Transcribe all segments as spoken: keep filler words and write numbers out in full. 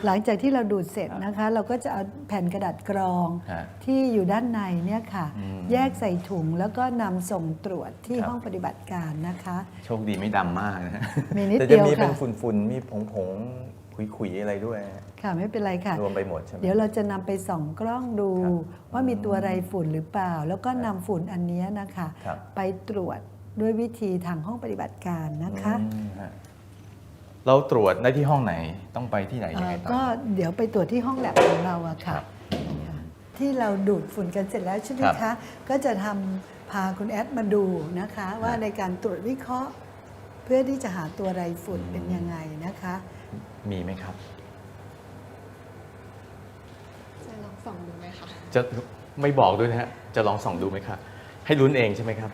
หลังจากที่เราดูดเสร็จนะคะเราก็จะเอาแผ่นกระดาษกรองที่อยู่ด้านในเนี่ยค่ะแยกใส่ถุงแล้วก็นำส่งตรวจที่ห้องปฏิบัติการนะคะโชคดีไม่ดำมากนะมีนิดแต่เดียวจะมีเป็ค่ะนฝุ่นๆมีผงๆขุยๆอะไรด้วยค่ะไม่เป็นไรค่ะรวมไปหมดใช่ไหมเดี๋ยวเราจะนำไปส่องกล้องดูว่ามีตัวไรฝุ่นหรือเปล่า แล้วก็นำฝุ่นอันนี้นะคะไปตรวจด้วยวิธีทางห้องปฏิบัติการนะคะเราตรวจได้ที่ห้องไหนต้องไปที่ไหนยังไงต่อก็เดี๋ยวไปตรวจที่ห้องแลบของเราอะค่ะที่เราดูดฝุ่นกันเสร็จแล้วใช่ไหมคะก็จะทำพาคุณแอดมาดูนะคะว่าในการตรวจวิเคราะห์เพื่อที่จะหาตัวไรฝุ่นเป็นยังไงนะคะมีไหมครับจะลองส่องดูไหมคะจะไม่บอกด้วยนะฮะจะลองส่องดูไหมครับให้ลุ้นเองใช่ไหมครับ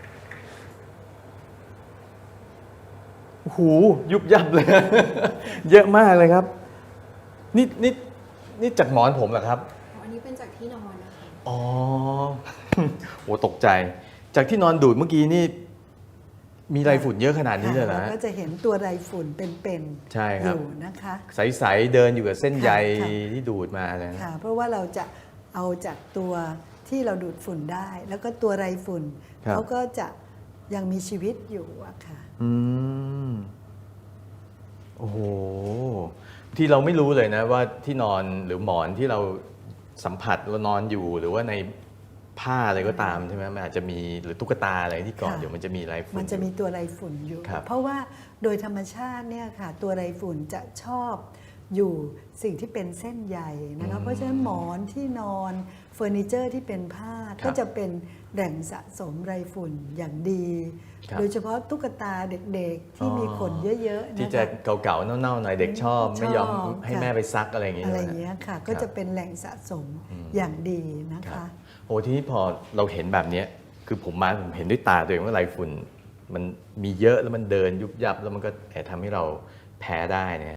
หูยุบยับเลย เยอะมากเลยครับนี่นี่นี่จากหมอนผมเหรอครับอันนี้เป็นจากที่นอนนะคะอ๋อโหตกใจจากที่นอนดูดเมื่อกี้นี่มีไรฝุ่นเยอะขนาดนี้เลยเหรอก็จะเห็นตัวไรฝุ่นเป็นๆใช่ครับอยู่นะคะใสๆเดินอยู่กับเส้นใยที่ดูดมาเลยค่ะเพราะว่าเราจะเอาจากตัวที่เราดูดฝุ่นได้ แล้วก็ตัวไรฝุ่นเขาก็จะยังมีชีวิตอยู่อะค่ะอืมโอ้โหที่เราไม่รู้เลยนะว่าที่นอนหรือหมอนที่เราสัมผัสเรานอนอยู่หรือว่าในผ้าอะไรก็ตามใช่ไหมมันอาจจะมีหรือตุ๊กตาอะไรที่ก่อนเดี๋ยวมันจะมีไรฝุ่นมันจะมีตัวไรฝุ่นอยู่เพราะว่าโดยธรรมชาติเนี่ยค่ะตัวไรฝุ่นจะชอบอยู่สิ่งที่เป็นเส้นใยนะคะเพราะฉะนั้นหมอนที่นอนเฟอร์นิเจอร์ที่เป็นผ้าก็จะเป็นแหล่งสะสมไรฝุ่นอย่างดีโดยเฉพาะตุ๊กตาเด็กๆที่มีขนเยอะๆที่จะเก่าๆเน่าๆหน่อยเด็กชอบไม่ยอมให้แม่ไปซักอะไรอย่างเงี้ยอะไรอย่างเงี้ยค่ะก็จะเป็นแหล่งสะสมอย่างดีนะคะโอ้ทีนี้พอเราเห็นแบบนี้คือผมมาผมเห็นด้วยตาตัวเองว่าไรฝุ่นมันมีเยอะแล้วมันเดินยุบยับแล้วมันก็แอบทำให้เราแพ้ได้เนี่ย